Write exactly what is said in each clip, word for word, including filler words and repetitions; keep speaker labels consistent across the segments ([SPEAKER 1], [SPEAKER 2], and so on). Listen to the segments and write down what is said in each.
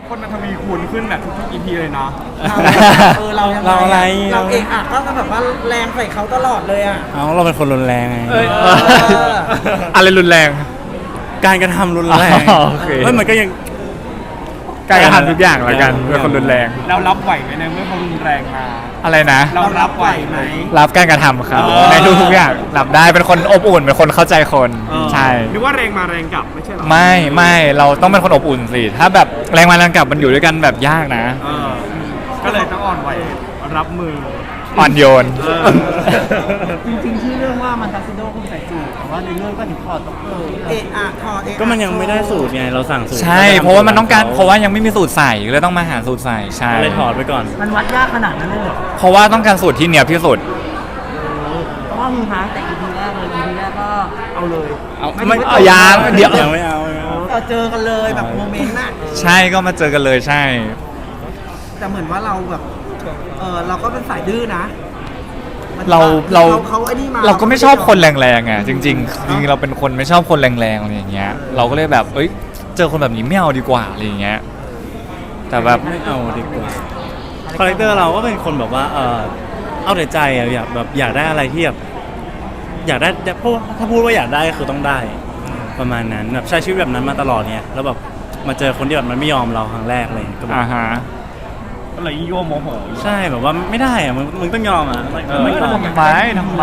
[SPEAKER 1] คนมันทวีคูณขึ้นแบบทุกๆ อี พี เลยเนาะ
[SPEAKER 2] เออเรายังไง
[SPEAKER 3] เราอะไร
[SPEAKER 2] เราเองอ่ะก็แบบว่าแรงใส่เขาตลอดเลยอ่ะ
[SPEAKER 3] เอาเราเป็นคนรุนแรงไง
[SPEAKER 1] เอ้ย
[SPEAKER 2] เออ
[SPEAKER 4] อะไรรุนแรง
[SPEAKER 3] การกระทำรุนแรง
[SPEAKER 4] อ๋อโอเค
[SPEAKER 3] เฮ้ยมันก็ยัง
[SPEAKER 4] การกระทำทุกอย่างแล้วกันเป็นคนรุนแรง
[SPEAKER 1] เรารับไหวไหมในเมื่อเขารุนแรงมา
[SPEAKER 4] อะไรนะ
[SPEAKER 1] เรารับไหวไหม
[SPEAKER 4] รับการกระทำครับ
[SPEAKER 1] เออ
[SPEAKER 4] ในทุกๆอย่างรับได้เป็นคนอบอุ่นเป็นคนเข้าใจคนใช่
[SPEAKER 1] หรือว่าแรงมาแรงกลับไม่ใช่หรอ
[SPEAKER 4] ไม่ไม่เราต้องเป็นคนอบอุ่นสิถ้าแบบแรงมาแรงกลับมันอยู่ด้วยกันแบบยากนะ
[SPEAKER 1] เออก็เลยต้องอ่อนไหวรับมือ
[SPEAKER 4] อ่อนโยน
[SPEAKER 1] เออ
[SPEAKER 2] จริงๆชื่อเรื่องว่ามันทักซิโดคุณใส่สูทแต่ว่าในเรื่องก็ถึงถอดต้องเออเอะอะถอดเอะอะ
[SPEAKER 3] ก็มันยังไม่ได้สูตรไงเราสั่งสูตร
[SPEAKER 4] ใช่เพราะว่ามันต้องการเพราะว่ายังไม่มีสูตรใส่ก็เลยต้องมาหาสูตรใส่ใช่
[SPEAKER 3] ก็เลยถอดไปก่อน
[SPEAKER 2] มันวัดยากขนาดนั้นเลยเหรอ
[SPEAKER 4] เพราะว่าต้องการสูตรที่เนียบที่สุด
[SPEAKER 2] เพราะว่ามึงพังแต่ อี พี แรกเลย อี พี แรกก็เอาเลย
[SPEAKER 4] เอา
[SPEAKER 2] ไม่
[SPEAKER 4] ไม่
[SPEAKER 2] ถึง
[SPEAKER 4] เอายางเดี๋ยว
[SPEAKER 3] ยังไม่เอาไม่เอา
[SPEAKER 2] เราเจอกันเลยแบบโมเมนต์น่ะ
[SPEAKER 4] ใช่ก็มาเจอกันเลยใช่
[SPEAKER 2] แต่เหมือนว่าเราแบบเออเราก็เป็นสายดื้อนะมัน
[SPEAKER 4] เราเรา
[SPEAKER 2] เขาไอ้นี่มา
[SPEAKER 4] เราก็ไม่ชอบคนแรงๆอ่ะจริงๆจริงๆเราเป็นคนไม่ชอบคนแรงๆอะไรอย่างเงี้ยเราก็เลยแบบเอ้ยเจอคนแบบนี้ไม่เอาดีกว่าอะไรอย่างเงี้ยแต่แบบ
[SPEAKER 3] ไม่เอาดีกว่าคาแรคเตอร์เราก็เป็นคนแบบว่าเออเอาแต่ใจอะอยากแบบอยากได้อะไรที่แบบอยากได้เพราะว่าถ้าพูดว่าอยากได้ก็คือต้องได้ ประมาณนั้นแบบใช้ชีวิตแบบนั้นมาตลอดเนี่ยแล้วแบบมาเจอคนที่แบบมันไม่ยอมเราครั้งแรกเลยก็แบบ
[SPEAKER 4] อ่าฮะ
[SPEAKER 1] ก็เลยยิ่งโยโมโห
[SPEAKER 3] ใช่แบบว่าไม่ได้อะมึงมึงต้องยอมอ่ะ
[SPEAKER 1] เออ
[SPEAKER 3] ไม่ยอม
[SPEAKER 4] ทำไมทำไม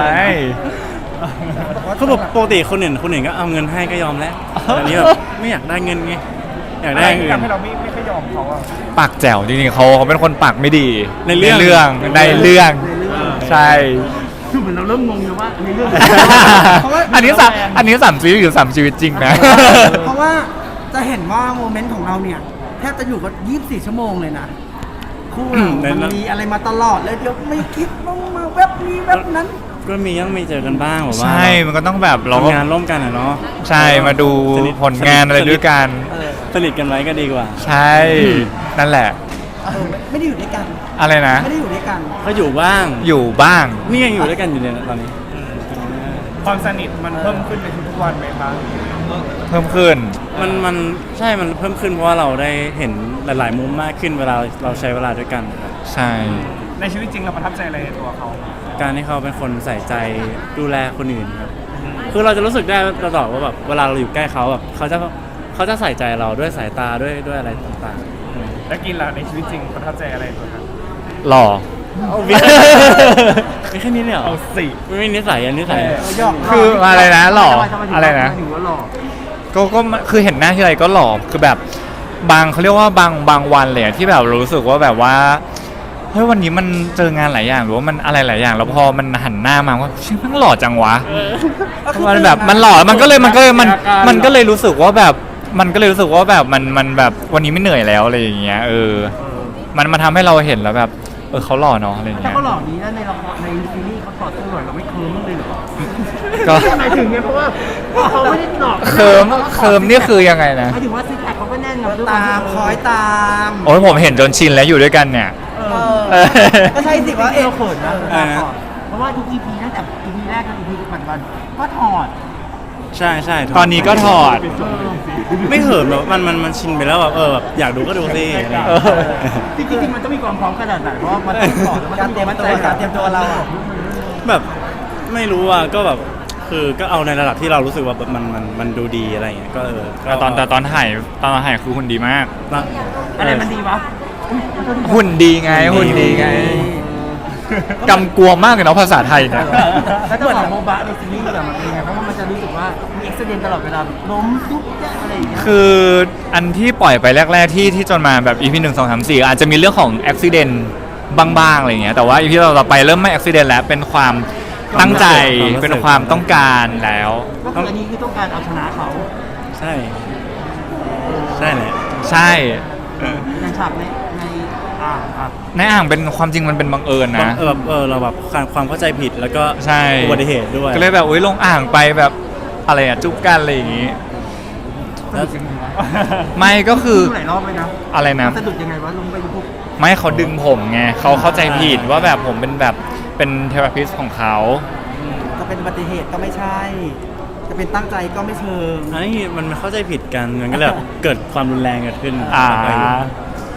[SPEAKER 3] เขาบอกปกติคนอื่นคนอื่นก็เอาเงินให้ก็ยอมแล้วอันนี้แบบไม่อยากได้เงินไงอยาก
[SPEAKER 1] อะ
[SPEAKER 3] ได้
[SPEAKER 1] ไร
[SPEAKER 3] อย่าง
[SPEAKER 1] ที่
[SPEAKER 3] อื่น
[SPEAKER 1] ทำให้เราไม่ไม่ค่อยยอมเขาอะ
[SPEAKER 4] ปากแจ๋วจริงๆเขาเขาเป็นคนปากไม่ดี
[SPEAKER 3] ในเรื่อง
[SPEAKER 4] ในเรื่องในเรื่องใช่
[SPEAKER 2] คือเหมือนเราเริ่มงงเลยว่าในเรื่อง เพราะว่า
[SPEAKER 4] อันนี้สามอันนี้สามชีวิตหรือสามชีวิตจริงนะ
[SPEAKER 2] เพราะว่าจะเห็นว่าโมเมนต์ของเราเนี่ยแทบจะอยู่กันยี่สิบสี่ชั่วโมงเลยนะคู่เรามันมีอะไรมาตลอดเลยเดี๋ยวไม่คิดว่ามาแวบนี้แวบนั้น
[SPEAKER 3] ก็มีต้องมีเจอกันบ้างแบบว่า
[SPEAKER 4] ใช่มันก็ต้องแบบเราก็
[SPEAKER 3] ทำงานร่วมกันอะเนาะ
[SPEAKER 4] ใช่มาดู
[SPEAKER 3] สนิท
[SPEAKER 4] ผลงานอะไรด้วยกัน
[SPEAKER 2] เออ
[SPEAKER 3] สนิทกันไว้ก็ดีกว่า
[SPEAKER 4] ใช่นั่นแหละ
[SPEAKER 2] เออไม่ไม่ได้อยู่ด้วยกัน
[SPEAKER 4] อะไรนะ
[SPEAKER 2] ไม่ได้อยู่ด้วยกัน
[SPEAKER 3] ก็อยู่บ้าง
[SPEAKER 4] อยู่บ้าง
[SPEAKER 3] นี่ยังอยู่ด้วยกันอยู่เนี่ยตอนนี้
[SPEAKER 1] ความสนิทมันเพิ่มขึ้นในทุกๆวันไหมคะ
[SPEAKER 4] เพิ่มขึ้น
[SPEAKER 3] มันมันใช่มันเพิ่มขึ้นเพราะว่าเราได้เห็นหลาย ๆ มุมมากขึ้นเวลาเราใช้เวลาด้วยกันครับ
[SPEAKER 4] ใช่
[SPEAKER 1] ในชีวิตจริงเราประทับใจอะไรในตัวเขา
[SPEAKER 3] การที่เขาเป็นคนใส่ใจดูแลคนอื่นครับคือเราจะรู้สึกได้ตลอดว่าแบบเวลาเราอยู่ใกล้เขาแบบเขาจะเขาจะใส่ใจเราด้วยสายตาด้วยด้วยอะไรต่างๆอืม
[SPEAKER 1] แล้วกินล่ะในชีวิตจริงประทับใจอะไรในตัวเขา
[SPEAKER 4] หล่อ
[SPEAKER 3] มีมีแค่นี้เลยเหรอ
[SPEAKER 1] เอาสิ
[SPEAKER 3] ไม่มีนิสัยอันนิสัย
[SPEAKER 2] หยอก
[SPEAKER 4] คืออะไรนะหล่อ
[SPEAKER 2] ทำไมทำไมถึง
[SPEAKER 4] อะไรนะ
[SPEAKER 2] ทำไมถึงว่าหล่อ
[SPEAKER 4] ก็ก็คือเห็นหน้าที่ไรก็หล่อคือแบบบางเขาเรียกว่าบางบางวันเลยอะที่แบบรู้สึกว่าแบบว่าเฮ้ยวันนี้มันเจองานหลายอย่างหรือว่ามันอะไรหลายอย่าง แล้วพอมันหันหน้ามาว่าชื่อมันหล่อจังวะมันแบบมันหล่อมันก็เลยมันก็เลยมันมันก็เลยรู้สึกว่าแบบมันก็เลยรู้สึกว่าแบบมันมันแบบวันนี้ไม่เหนื่อยแล้วอะไรอย่างเงี้ยเออมันมาทำให้เราเห็นแล้วแบบเออเขาหล่อเนาะอะไรอย่าง
[SPEAKER 2] ถ้า
[SPEAKER 4] เงี้ย
[SPEAKER 2] เขาหล่อนี้แล้วในละครในซีรีส์เขาถอดเสื้อหน่อยเราไม่เคิร์มเลยเหรอ
[SPEAKER 4] ก็
[SPEAKER 2] หมายถึงไงเพราะว่าเขาไม่ได้หลอก
[SPEAKER 4] เคิร์มเคิร์มนี่คือยังไงนะ
[SPEAKER 2] หมายถึงว่าซิกแพคเขาก็แน่นกับตามคอยตาม
[SPEAKER 4] โอ้ยผมเห็นจนชินแล้วอยู่ด้วยกันเนี่ย
[SPEAKER 2] เออก็ใช่สิว่าเอวเขินนะ
[SPEAKER 3] อ่าฮะ
[SPEAKER 2] เพราะว่าทุก อี พีตั้งแต่ อี พี แรกจน อี พี ปัจจุบันก็ถอด
[SPEAKER 3] ใช่ใช่
[SPEAKER 4] ตอนนี้ก็ถอด
[SPEAKER 3] ไม่เหินแบบมันมันมันชินไปแล้วแบบเออแบบอยากดูก็ดูสิอะไรอย่าง
[SPEAKER 4] เอ
[SPEAKER 3] เงี้ย
[SPEAKER 4] อ
[SPEAKER 2] จริงๆมันต้องมีความพร้อมขนาดไหนเพราะว่ามันต้องถอดมันต้องเตรียมตัวการเตรียมตัวเราอะ
[SPEAKER 3] แบบไม่รู้อ่ะก็แบบคือก็เอาในระดับที่เรารู้สึกว่าแบบมันมันมันดูดีอะไรอย่างเงี้ยก็เออก็
[SPEAKER 4] แต่ตอนแต่ตอนถ่ายตอนถ่ายคือหุ่นดีมาก
[SPEAKER 2] อะไรมันดีวะ
[SPEAKER 4] หุ่นดีไงหุ่นดีไงกำกวมมากเลยเนาะภาษาไทยเนี่ย
[SPEAKER 2] แล้วจะบอกโมบะในซีรีส์แบบมันเป็นไงเพราะว่ามันจะรู้สึกว่ามีเอ็กซ์เดนตลอดเวลาล้มยุบแย่อะไรอย่างเงี้ย
[SPEAKER 4] คืออันที่ปล่อยไปแรก ๆ ที่ที่จนมาแบบ อี พี หนึ่ง สอง สาม สี่อาจจะมีเรื่องของอุบิเหตุบ้างๆอะไรอย่างเงี้ยแต่ว่า อี พี ต่อๆไปเริ่มไม่อุบิเหตุแล้วเป็นความตั้งใจเป็นความต้องการแล้ว
[SPEAKER 2] ก็คืออันนี้คือต้องการเอาชนะเขา
[SPEAKER 3] ใช่ใช่แหละ
[SPEAKER 4] ใช่
[SPEAKER 2] ในฉากในในอ่าอ่า
[SPEAKER 4] ในอ่างเป็นความจริงมันเป็นบังเอิญนะ
[SPEAKER 3] เออแบบเออเราแบบความความเข้าใจผิดแล้วก็
[SPEAKER 4] ใช่
[SPEAKER 3] อุบัติเหตุด้วย
[SPEAKER 4] ก็เลยแบบอุ้ยลงอ่างไปแบบอะไรอะจุ๊บกันอะไรอย่างงี้
[SPEAKER 3] แล้ว
[SPEAKER 4] ไม่ก็คือ
[SPEAKER 2] ดูหลายรอบเลยนะ
[SPEAKER 4] อะไรนะ
[SPEAKER 2] สะดุดยังไงวะลงไปดูพวก
[SPEAKER 4] ไม่เขาดึงผมไงเขาเข้าใจผิดว่าแบบผมเป็นแบบเป็นเทอราพิสของเขา
[SPEAKER 2] จะเป็นอุบัติเหตุก็ไม่ใช่ จะเป็นตั้งใจก็ไม่เชิง
[SPEAKER 3] อันนี้มันเข้าใจผิดกันมันก็เลยแบบเกิดความรุนแรงเกิดขึ้น
[SPEAKER 4] อ่า
[SPEAKER 3] ไป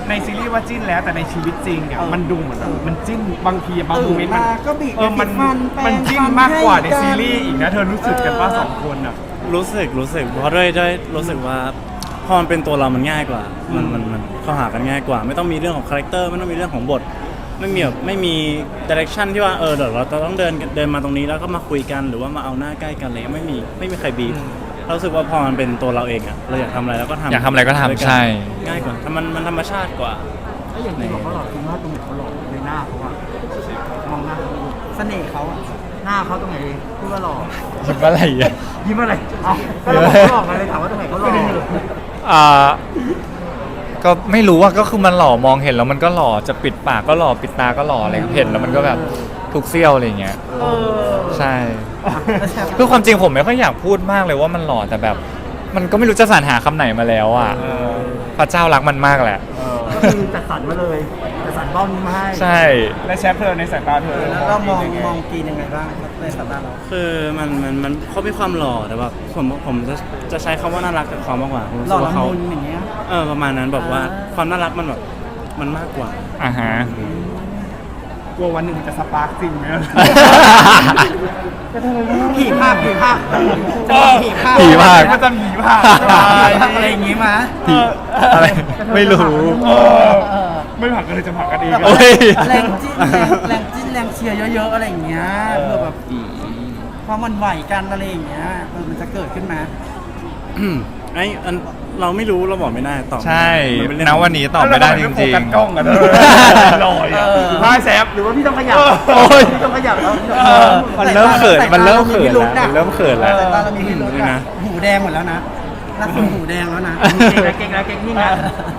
[SPEAKER 1] ในซีรีส์ว่าจิ้นแล้วแต่ในชีวิตจริงเนี่ยมันดูเหมือนแบบมันจิ้นบางทีบางโมเมนต์มัน
[SPEAKER 2] ตื่นมาก็บีบ
[SPEAKER 1] เออมัน
[SPEAKER 2] ฟันแปรง
[SPEAKER 1] มันจิ้น
[SPEAKER 2] ฟัน
[SPEAKER 1] มากกว่าใน
[SPEAKER 2] ให้กัน
[SPEAKER 1] ซีรีส์อีกนะเธอรู้สึกกันว่าสองคนอ่ะ
[SPEAKER 3] รู้สึกรู้สึกเพราะด้วยด้วยรู้สึกว่าพอมันเป็นตัวเรามันง่ายกว่า มันมันมันเข้าหากันง่ายกว่า ไม่ต้องมีเรื่องของคาแรคเตอร์ไม่ต้องมีเรื่องของบท ไม่มีแบบไม่มีดิเรกชันที่ว่าเออเดี๋ยวเราจะต้องเดินเดินมาตรงนี้แล้วก็มาคุยกันหรือว่ามาเอาหน้าใกล้กันเลยไม่มีไม่มีใครบีบเรารู้สึกว่าพอมันเป็นตัวเราเองอะเราอยากทำอะไรเราก็ทำ
[SPEAKER 4] อยากทำอะไรก็ทำ
[SPEAKER 3] ด้วยน
[SPEAKER 4] ใช่
[SPEAKER 3] ง่ายกว่าถ้ามันมันธรรมชาติกว่า
[SPEAKER 2] ไอ้อย่างที่บอกเขาหล่อจริงว่าตรงไหนเขาหล่อในหน้าเขาอะมองหน้าเขาดูเสน่ห์เขาอะหน้าเขาตรงไหนพูดว่าหล่อ
[SPEAKER 4] คิดว่าอะไรอ่ะ
[SPEAKER 2] ยิ้มอะไรเอาก็เราบอกเขาหล่อมาเลยถามว่าตรงไหนเขาหล่อ
[SPEAKER 4] อ่าก็ไม่รู้ว่าก็คือมันหล่อมองเห็นแล้วมันก็หล่อจะปิดปากก็หล่อปิดตาก็หล่ออะไรเห็นแล้วมันก็แบบทุกเสี้ยวอะไรอย่างเงี้ย
[SPEAKER 2] เออ
[SPEAKER 4] ใช่คือความจริงผมไม่ค่อยอยากพูดมากเลยว่ามันหล่อแต่แบบ มันก็ไม่รู้จะสรรหาคำไหนมาแล้วอ่ะพระเจ้ารักมันมากแหละ
[SPEAKER 2] ก็คือจัดสรรมาเลยจัดสรรบ้องนี้มาให้
[SPEAKER 4] ใช่
[SPEAKER 1] และแชฟเธอในสายตาเธอ
[SPEAKER 2] แล้วเรามอง
[SPEAKER 1] ยังไ
[SPEAKER 2] มองกีนยังไงบ้างในสายตาเรา
[SPEAKER 3] คือมันมันมันเขามีความหล่อแต่แบบผมผมจะจะใช้คำว่าน่ารักกับเขามากกว่าผมรู้
[SPEAKER 2] หล่
[SPEAKER 3] สึ
[SPEAKER 2] อก
[SPEAKER 3] ว่า
[SPEAKER 2] ละ
[SPEAKER 3] เขา
[SPEAKER 2] มุนอย่างเงี้ย
[SPEAKER 3] เออประมาณนั้นแบบว่า
[SPEAKER 2] อ่า
[SPEAKER 3] ความน่ารักมันแบบมันมากกว่า
[SPEAKER 4] อ่าฮะ
[SPEAKER 1] กลัววันหนึ่งมันจะสปาร์กจริงไหม
[SPEAKER 2] ผีภาคผีภาคจะมีผีภาค
[SPEAKER 4] ผีภาค
[SPEAKER 1] มันจะผีภาค
[SPEAKER 2] อะไรอย่างงี้มา
[SPEAKER 4] ผีอะไรไม่รู้
[SPEAKER 1] เออไม่ผักกันเลยจะผักกันเอง
[SPEAKER 4] โอ้ย
[SPEAKER 2] แรงจิ้นแรงแรงจิ้นแรงเชียร์เยอะๆอะไรอย่างเงี้ยเพื่อแบบความมันไหวกันอะไรอย่างเงี้ยเออมันจะเกิดขึ้นมา
[SPEAKER 3] ไอ้อันเราไม่รู้เราบอกไม่ได้ตอบไม่
[SPEAKER 4] ใช่
[SPEAKER 3] ได้มันเป็นเรื่
[SPEAKER 4] ณ
[SPEAKER 3] อง
[SPEAKER 4] วันนี้ตอบไม่ได้จริง
[SPEAKER 1] โฟกัสกล้องกันเลยลอยอ่ะพายแซฟ
[SPEAKER 2] หรือว่าพี่ต้องขยับ
[SPEAKER 4] โอ้ย
[SPEAKER 2] พี่ต้องขยับแล้ว
[SPEAKER 4] เออมันเริ่มเขินมันเริ่มเขินแล้วมันเริ่มเขินแล้ว
[SPEAKER 2] สายตาเรามีพิรุธอะหูแดงหมดแล้วนะล่าสุดหูแดงแล้วนะเก่งนะเก่งนะเก่งนี่นะ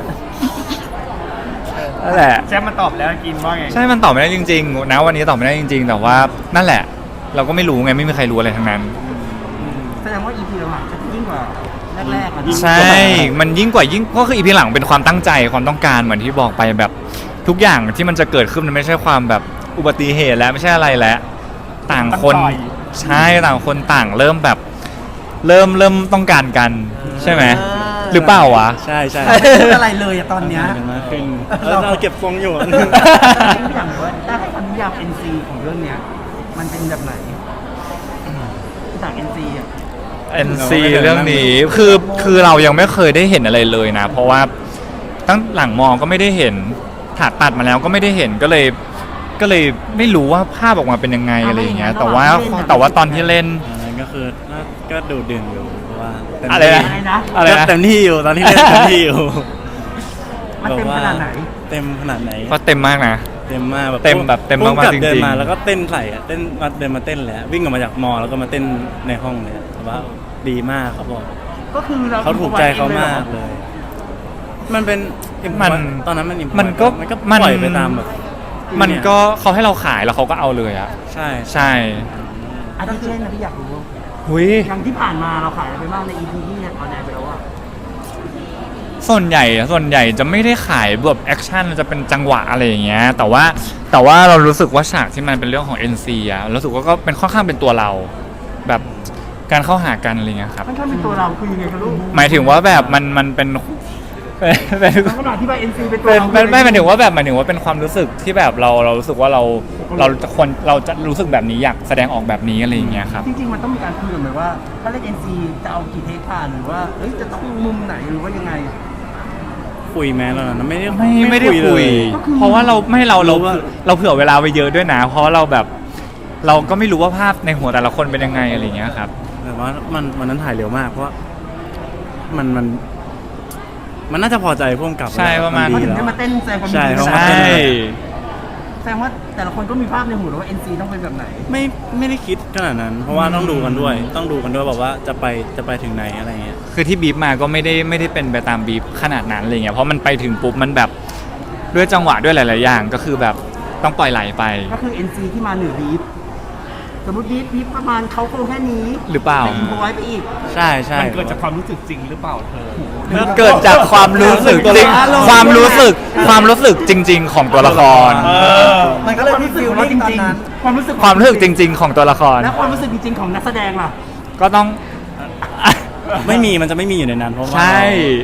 [SPEAKER 4] นั่นแหละ
[SPEAKER 1] แซฟมันตอบแล้วกินว่าไง
[SPEAKER 4] ใช่มันตอบไม่ได้จริงๆนะวันนี้ตอบไม่ได้จริง ๆ แต่ว่านั่นแหละ เราก็ไม่รู้ไงไม่มีใครรู้อะไรทั้งนั้น
[SPEAKER 2] แสดงว่า อี พี หลังจะยิ่งกว่าแรกๆอ่ะ
[SPEAKER 4] ใช่ มันยิ่งกว่ายิ่งก็คืออีพีหลังเป็นความตั้งใจความต้องการเหมือนที่บอกไปแบบทุกอย่างที่มันจะเกิดขึ้นมันไม่ใช่ความแบบอุบัติเหตุแล้วไม่ใช่อะไรแล้วต่างคนใช่ต่างคนต่างเริ่มแบบ เริ่มเริ่มต้องการกันใช่ไหมหรือเปล่าวะ
[SPEAKER 3] ใช่ใช่
[SPEAKER 2] ไม่พูดอะไรเลยอะตอนเนี้ย
[SPEAKER 3] กันมากขึ้นเออเราเก็บทรงอยู่
[SPEAKER 2] อย่างว่าถ้าให้คำนิยาม เอ็น ซี ของเรื่องเนี้ยมันเป็นแบบไหนจาก เอ็น ซี อ่ะ
[SPEAKER 4] เอ็น ซี เรื่องนี้คือคือเรายังไม่เคยได้เห็นอะไรเลยนะ เพราะว่าตั้งหลังมองก็ไม่ได้เห็นถาดตัดมาแล้วก็ไม่ได้เห็นก็เลย ก็เลยไม่รู้ว่าภาพออกมาเป็นยังไงอะไรอย่างเงี้ยแต่ว่าแต่ว่าตอนที่เล่น
[SPEAKER 3] อันนั้นก็คือก็ดูเดือดอยู่เพราะว่าเต็ม
[SPEAKER 4] อะไร
[SPEAKER 3] ที่
[SPEAKER 4] นะ
[SPEAKER 2] อะไรนะ
[SPEAKER 4] อะไร
[SPEAKER 3] ก็
[SPEAKER 4] นะ
[SPEAKER 3] เต็มที่อยู่ตอนที่เล่นเต็มที่อยู่
[SPEAKER 2] มันเต็มขนาดไหน
[SPEAKER 3] เต็มขนาดไหน
[SPEAKER 4] ก็เต็มมากนะ
[SPEAKER 3] เต็มมากแบบ
[SPEAKER 4] เต็มแบบเต็มมากๆ
[SPEAKER 3] พุ่บ
[SPEAKER 4] จริงๆ
[SPEAKER 3] เดินมาแล้วก็เต้นใส่อะเต้นมาเดินมาเต้นเลยอะวิ่งออกมาจากมอแล้วก็มาเต้นในห้องเลยอะแต่ว่าดีมากเขาบอก
[SPEAKER 2] ก็คือเรา
[SPEAKER 3] เขาถูกใจเขามากเลย มันเป็น
[SPEAKER 4] มัน
[SPEAKER 3] ตอนนั้นมัน improvise
[SPEAKER 4] มันก็
[SPEAKER 3] มันก็
[SPEAKER 4] มัน
[SPEAKER 3] ปล่อยไปตามแบบ
[SPEAKER 4] มันก็เขาให้เราขายแล้วเขาก็เอาเลยอะ
[SPEAKER 3] ใช่
[SPEAKER 4] ใช่
[SPEAKER 2] อันนี้เช่นนะพี่อยากรู้
[SPEAKER 4] หุย
[SPEAKER 2] อย่างที่ผ่านมาเราขายอะไรไปบ้างใน อี พี ที่เนี่ยออนแอร์ไปแล้วอ่ะ
[SPEAKER 4] ส่วนใหญ่ส่วนใหญ่จะไม่ได้ขายแบบแอคชั่นจะเป็นจังหวะอะไรอย่างเงี้ยแต่ว่าแต่ว่าเรารู้สึกว่าฉากที่มันเป็นเรื่องของ เอ็น ซี อะรู้สึกว่าก็เป็นค่อนข้างเป็นตัวเรา แบบการเข้าหากันอะไรเงี้ยครับ
[SPEAKER 2] มันแค่เป็นตัวเราคือยังไงครับลูก
[SPEAKER 4] หมายถึงว่าแบบมันมันเป็นเป็นเป็น
[SPEAKER 2] มันก็อธิบาย เอ็น ซี เป็นตัว
[SPEAKER 4] เป็น
[SPEAKER 2] เรา
[SPEAKER 4] เป็นไม่หมายถึงว่าแบบหมายถึงว่าเป็นความรู้สึกที่แบบเราเรารู้สึกว่าเราเราจะควรเราจะรู้สึกแบบนี้อยากแสดงออกแบบนี้อะไรอย่างเงี้ยครับ
[SPEAKER 2] จริงๆมันต้องมีการคุยกันไหมว่า ถ้าเล่น เอ็น ซี จะเอากี่เทคผ่านหรือว่าเอ้ยจะต้องมุมไหนหรือว่ายังไง
[SPEAKER 3] คุยแม้แล้วนะไม่ได้
[SPEAKER 4] ไม่ไม่ได้คุย
[SPEAKER 2] ก็คือ
[SPEAKER 4] เพราะว่าเราไม่เราเรา
[SPEAKER 3] รู้ว่า
[SPEAKER 4] เราเผื่อเวลาไปเยอะด้วยนะ เพราะว่าเราแบบ เราก็ไม่รู้ว่าภาพในหัวแต่ละคนเป็นยังไงอะไรอย่างเงี้ยครับ
[SPEAKER 3] แต่ว่ามันมันนั้นถ่ายเร็วมาก เพราะว่ามันมัน มันน่าจะพอใจพ่วงกับ
[SPEAKER 4] ใช่ประมาณ
[SPEAKER 2] เขา
[SPEAKER 3] ดี
[SPEAKER 2] ถึง
[SPEAKER 3] แล้ว
[SPEAKER 2] ได้มาเต้นแซงความ
[SPEAKER 3] ใช่
[SPEAKER 2] ดี
[SPEAKER 3] เพราะ
[SPEAKER 4] ใช
[SPEAKER 3] ว่า
[SPEAKER 4] ่
[SPEAKER 2] แสดงว่าแต่ละคนก็มีภาพในหัวแล้วว่า เอ็น ซี ต้องเป็นแบบไหน
[SPEAKER 3] ไม่ไม่ได้คิดขนาดนั้น เพราะว่าต้องดูกันด้วย ต้องดูกันด้วยแบบว่าจะไปจะไปถึงไหนอะไรเงี้ย
[SPEAKER 4] คือที่บีบมาก็ไม่ได้ไม่ได้เป็นไปตามบีบขนาดนั้นอะไรเงี้ยเพราะมันไปถึงปุ๊บมันแบบด้วยจังหวะด้วยหลาย ๆ อย่างก็คือแบบต้องปล่อยไหลไป
[SPEAKER 2] ก็คือ เอ็น ซี ที่มาเหนือบีฟสมมติบีฟบีฟประมาณเขาโครงแค่นี้
[SPEAKER 4] หรือเปล่า
[SPEAKER 2] แต่อินโฟไว้ไปอีก
[SPEAKER 3] ใช่ใช่
[SPEAKER 1] มันเกิดจากความรู้สึกจริงหรือเปล่าเธอ
[SPEAKER 4] เกิดจากความรู้สึกจริงความรู้สึกความรู้สึกจริง ๆ ของตัวละคร
[SPEAKER 1] เออ
[SPEAKER 2] มันก็เลยมีฟิลลิ่งตอนนั้นความรู้สึก
[SPEAKER 4] ความรู้สึกจริง ๆ ของตัวละคร
[SPEAKER 2] และความรู้สึกจริงๆของนักแสดงล่ะ
[SPEAKER 4] ก็ต้อง
[SPEAKER 3] ไม่มีมันจะไม่มีอยู่ในนั้นเพราะว่า
[SPEAKER 4] ใช่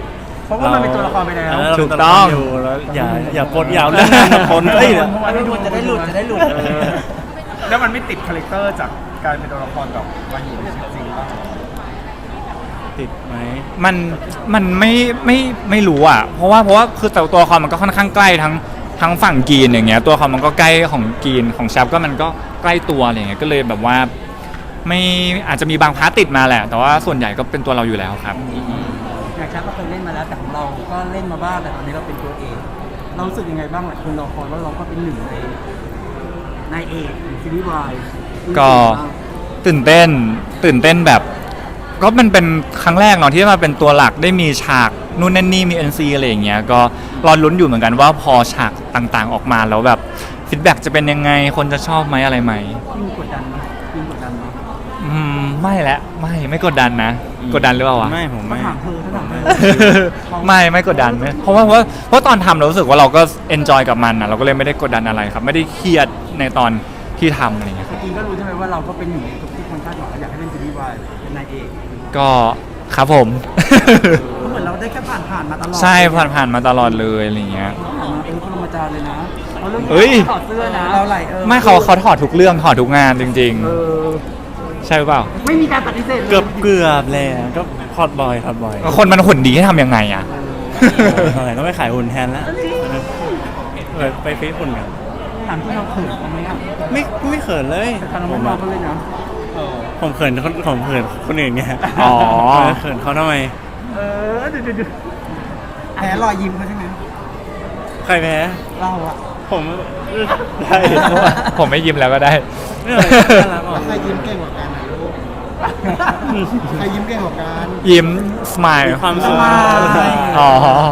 [SPEAKER 2] เพราะว่ามันเป็นตัวละครไปแล้ว
[SPEAKER 3] เเรา
[SPEAKER 4] ถู
[SPEAKER 3] เป็น
[SPEAKER 4] ก
[SPEAKER 3] วละคร
[SPEAKER 4] ต้อง
[SPEAKER 3] อยู่แล้วอย่าอย่าปนอย่าเอาเรื่องงานมาปนเอ้ย
[SPEAKER 2] เพราะว่าจะได้หลุดจะได้หลุด
[SPEAKER 1] เออแล้วมันไม่ติดคาแรคเตอร์จากการเป็นตัวละครแบบมาอยู่ในชีวิตจริงบ้าง
[SPEAKER 3] ติดไหม
[SPEAKER 4] มันมันไม่ไม่ไม่รู้อ่ะ เพราะว่าเพราะว่าคือแต่ตัวละครมันก็ค่อนข้างใกล้ทั้งทั้งฝั่งกรีนอย่างเงี้ยตัวละครมันก็ใกล้ของกรีนของชับก็มันก็ใกล้ตัวอะไรอย่างเงี้ยก็เลยแบบว่าไม่อาจจะมีบางพาร์ทติดมาแหละ แต่ว่าส่วนใหญ่ก็เป็นตัวเราอยู่แล้วครับ
[SPEAKER 2] อย่างชักก็เคยเล่นมาแล้วแต่ของเราก็เล่นมาบ้างแต่ตอนนี้เราเป็นตัวเอกเรารู้สึกยังไงบ้างหลายคนรอคอยว่าเราก็เป็นหนึ่งในนายเอกของซีรีส์วาย
[SPEAKER 4] ก็ตื่นเต้นตื่นเต้นแบบ ก็มันเป็นครั้งแรกเนาะที่ได้มาเป็นตัวหลักได้มีฉากนู่นนั่นนี่มี เอ็น ซี อะไรอย่างเงี้ยก็รอลุ้นอยู่เหมือนกันว่าพอฉากต่างๆออกมาแล้วแบบฟีดแบ็กจะเป็นยังไงคนจะชอบไหมอะไรไหม
[SPEAKER 2] ยิ่งกดดันไหมยิ่งกดดันไหม
[SPEAKER 4] อืมไม่และไม่ไม่กดดันนะ กดดันหรือเปล่าวะ
[SPEAKER 3] ไม่ผม
[SPEAKER 2] ก็
[SPEAKER 3] ไม่
[SPEAKER 2] ถามเธอถ้าถามเธอ
[SPEAKER 4] ไม่ไม่กดดันไม่เพราะว่าเพราะเพราะตอนทำเรารู้สึกว่าเราก็เอนจอยกับมันนะเราก็เลยไม่ได้กดดันอะไรครับ ไม่ได้เครียดในตอนที่ทำอะไรอย่างเงี้ยครับ
[SPEAKER 2] จริงก็รู้ใช่ไหมว่าเราก็เป็นหนึ่งในทุกที่คนคาดหวังอยากให้เป็นซีรีส์วายเป็นนายเอก
[SPEAKER 4] ก็ครับผม
[SPEAKER 2] ก็เหมือนเราได้แค่ผ่านผ่านๆมาตลอด
[SPEAKER 4] ใช่ผ่านผ่านมาตลอดเลยอะไรอย่างเงี้ย
[SPEAKER 2] ผ่านมาเออพรหมจารย์เลยนะเอาเรื่อง
[SPEAKER 4] เอ้ย
[SPEAKER 2] ถอดเสื้อนะเราไหลเออ
[SPEAKER 4] ไม่เขาเขาถอดทุกเรื่องถอดทุกงานจริง
[SPEAKER 2] เออ
[SPEAKER 4] ๆ ใช่หรือเปล่า
[SPEAKER 2] ไม่มีการปฏิเสธลย
[SPEAKER 3] เกือบเกือบแล้วก็พอดบอยพอดบอย
[SPEAKER 4] คนมันหุ่นดีให้ทำยังไงอ่ะ
[SPEAKER 3] เท่าไหร่ต้องไปขายหุ่นแทนแล้วเออไปฟิตหุ่นกัน
[SPEAKER 2] ถามที่เราเขินเขาไหมอ่ะ
[SPEAKER 3] ไม่ไม่เขินเลย
[SPEAKER 2] แต่ทางเรา
[SPEAKER 3] ผ
[SPEAKER 2] ไม่
[SPEAKER 3] ม
[SPEAKER 2] มอ
[SPEAKER 3] อะ
[SPEAKER 2] งเขาเลยนะ
[SPEAKER 3] ผมเขินคนผมเขินคนอื่นไง
[SPEAKER 4] อ๋อ
[SPEAKER 3] เขินเขาทำไม
[SPEAKER 2] เออเดี๋ยวเดี๋ยวแพ้รอยยิ้มเขาใช่ไหม
[SPEAKER 3] ใครแพ้
[SPEAKER 2] เราอะ
[SPEAKER 3] ผมได้
[SPEAKER 4] ผมไม่ยิ้มแล้วก็ได้
[SPEAKER 3] ไม่เป็นไรน่ารักอ่ะ
[SPEAKER 2] ใครยิ้มเก่งกว่ากันนะลูกใครยิ้มเก่งกว่ากัน
[SPEAKER 4] ยิ้มสมาย
[SPEAKER 3] มีความสุข
[SPEAKER 4] อ๋อ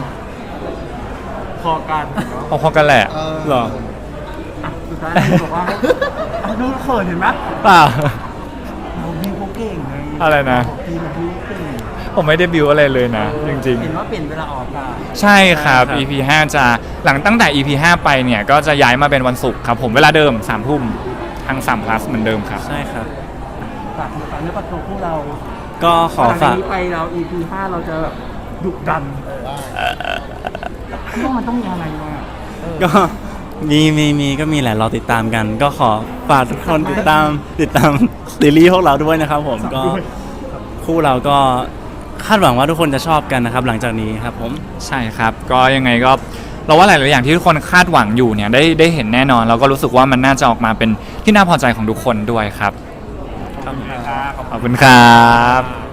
[SPEAKER 2] พอกัน
[SPEAKER 4] พอๆกันแหละ
[SPEAKER 3] เหรอ
[SPEAKER 2] สุดท้ายบอกว่าดูเขินเห็นไหม
[SPEAKER 4] เปล่า
[SPEAKER 2] เราบิวเขาเก่งไง
[SPEAKER 4] อะไรนะ
[SPEAKER 2] บิวบิวเก่ง
[SPEAKER 4] ผมไม่ได้บิวอะไรเลยนะ จริง
[SPEAKER 2] เห็นว่าเปลี่ยนเวลาออกอากาศ
[SPEAKER 4] ๆ ใช่ครับ อี พี ห้าจะหลังตั้งแต่ อี พี ห้าไปเนี่ย ก็จะย้ายมาเป็นวันศุกร์ครับผมเวลาเดิมสามทุ่มทางสาม plus เหมือนเดิมครับ
[SPEAKER 3] ใช่ครับ
[SPEAKER 2] ฝากฝากเนื้อฝากตัวพวกเรา
[SPEAKER 3] ก็ขอ
[SPEAKER 2] หลังจา
[SPEAKER 3] ฝาก
[SPEAKER 2] นี้ไปเรา อี พี ห้าเราจะแบบดุดันเพราะมันต้องมีอะไรมาเออ
[SPEAKER 3] ก็มีมีมีก็มีแหละรอติดตามกัน ก็ขอฝากทุกคนติดตามติดตามซีรีส์พวกเราด้วยนะครับผมก็คู่เราก็คาดหวังว่าทุกคนจะชอบกันนะครับ หลังจากนี้ครับผม
[SPEAKER 4] ใช่ครับ ก็ยังไงก็เราว่าหลายๆอย่างที่ทุกคนคาดหวังอยู่เนี่ยได้ได้เห็นแน่นอน เราก็รู้สึกว่ามันน่าจะออกมาเป็นที่น่าพอใจของทุกคนด้วยครับ
[SPEAKER 3] ขอบคุณครับ
[SPEAKER 4] ขอบคุณครับ